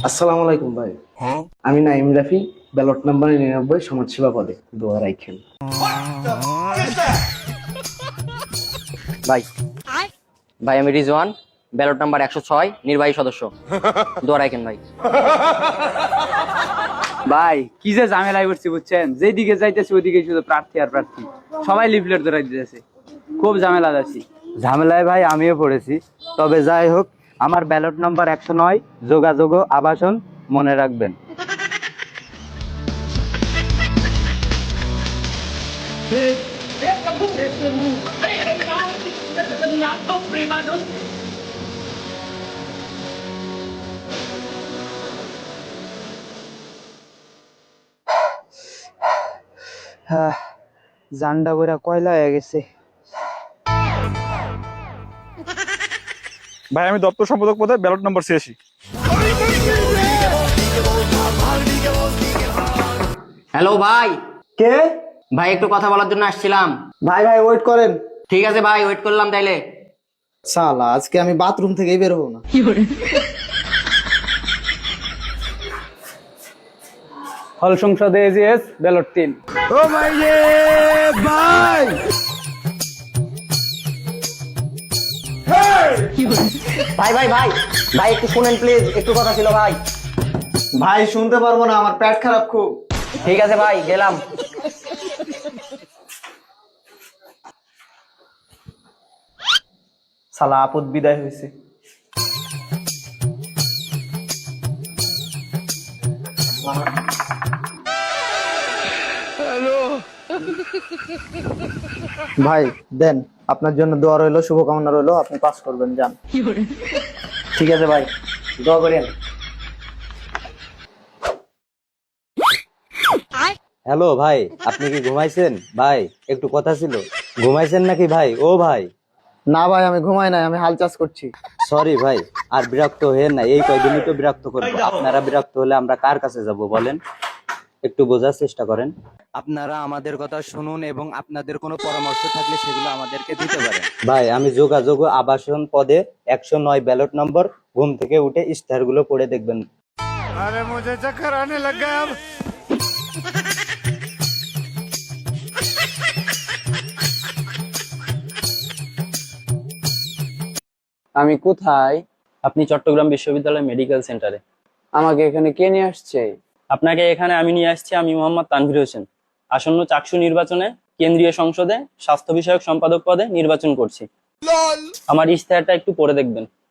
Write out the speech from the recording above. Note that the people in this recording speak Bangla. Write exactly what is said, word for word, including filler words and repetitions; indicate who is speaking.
Speaker 1: আসসালামু আলাইকুম ভাই। আমি নাইম রাফি, ব্যালট নাম্বার নিরানব্বই, সমাজসেবা পদে দোয়া রাখেন।
Speaker 2: ভাই ভাই আমি রিজওয়ান, ব্যালট নাম্বার একশো ছয়, নির্বাহী সদস্য। দোয়া রাখেন ভাই।
Speaker 3: ভাই কি যে ঝামেলায় পড়ছি বুঝছেন, যেদিকে যাইতেছি ওইদিকে শুধু প্রার্থী আর প্রার্থী, সবাই লিফলেট ধরাই দিতেছে, খুব ঝামেলা যাচ্ছি।
Speaker 4: ঝামেলায় ভাই আমিও পড়েছি। তবে যাই হোক, আমার ব্যালট নম্বর একশো নয়, যোগাযোগ ও আবাসন মনে রাখবেন। হ্যাঁ, জান্ডা বইরা কয়লা হয়ে গেছে।
Speaker 5: ভাই আমি দপ্তর সম্পাদক পদে ব্যালট নম্বর ছিয়াশি।
Speaker 2: হ্যালো ভাই।
Speaker 4: কে?
Speaker 2: ভাই একটু কথা বলার জন্য আসছিলাম।
Speaker 4: ভাই ভাই ওয়েট করেন।
Speaker 2: ঠিক আছে ভাই, ওয়েট করলাম তাইলে।
Speaker 4: শালা আজকে আমি বাথরুম থেকেই বের হবো না।
Speaker 3: হল সংসদে এজিএস ব্যালট তিন।
Speaker 4: ও ভাই রে ভাই,
Speaker 2: ভাই ভাই ভাই ভাই একটু শুনেন প্লিজ, একটু কথা ছিল ভাই।
Speaker 4: ভাই শুনতে পারবো না, আমার পেট খারাপ খুব।
Speaker 2: ঠিক আছে ভাই, গেলাম।
Speaker 4: শালা আপদ বিদায় হয়েছে। ভাই দেন, আপনার জন্য দোয়া রইলো, শুভকামনা রইলো, আপনি পাস করবেন, যান।
Speaker 2: ঠিক আছে ভাই, দোয়া করেন।
Speaker 4: হ্যালো ভাই, আপনি কি ঘুমাইছেন? ভাই একটু কথা ছিল। ঘুমাইছেন নাকি ভাই? ও ভাই। না ভাই আমি ঘুমাই নাই, আমি হাল চাষ করছি। সরি ভাই, আর বিরক্ত হয়ে না, এই কয়দিনই তো বিরক্ত করবো। আপনারা বিরক্ত হলে আমরা কার কাছে যাব বলেন? একটু বোঝার চেষ্টা করেন। আপনারা আমাদের কথা শুনুন এবং আপনাদের কোনো পরামর্শ থাকলে সেগুলো আমাদেরকে দিতে পারেন। ভাই আমি যোগাযোগ ও আবাসন পদে একশো নয় ব্যালট নম্বর, ঘুম থেকে উঠে ইস্তাহার গুলো পড়ে দেখবেন।
Speaker 5: আরে মুঝে চক্কর আনে লগ গয়া আব।
Speaker 3: আমি কোথায়?
Speaker 6: আপনি চট্টগ্রাম বিশ্ববিদ্যালয় মেডিকেল সেন্টারে।
Speaker 3: আমাকে এখানে কে নিয়ে আসছে?
Speaker 6: আপনাকে এখানে আমি নিয়ে আসছি, আমি মোহাম্মদ তানভীর হোসেন। আসন্ন চাকসু নির্বাচনে কেন্দ্রীয় সংসদে স্বাস্থ্য বিষয়ক সম্পাদক পদে নির্বাচন করছি। আমার ইশতেহারটা একটু পড়ে দেখবেন।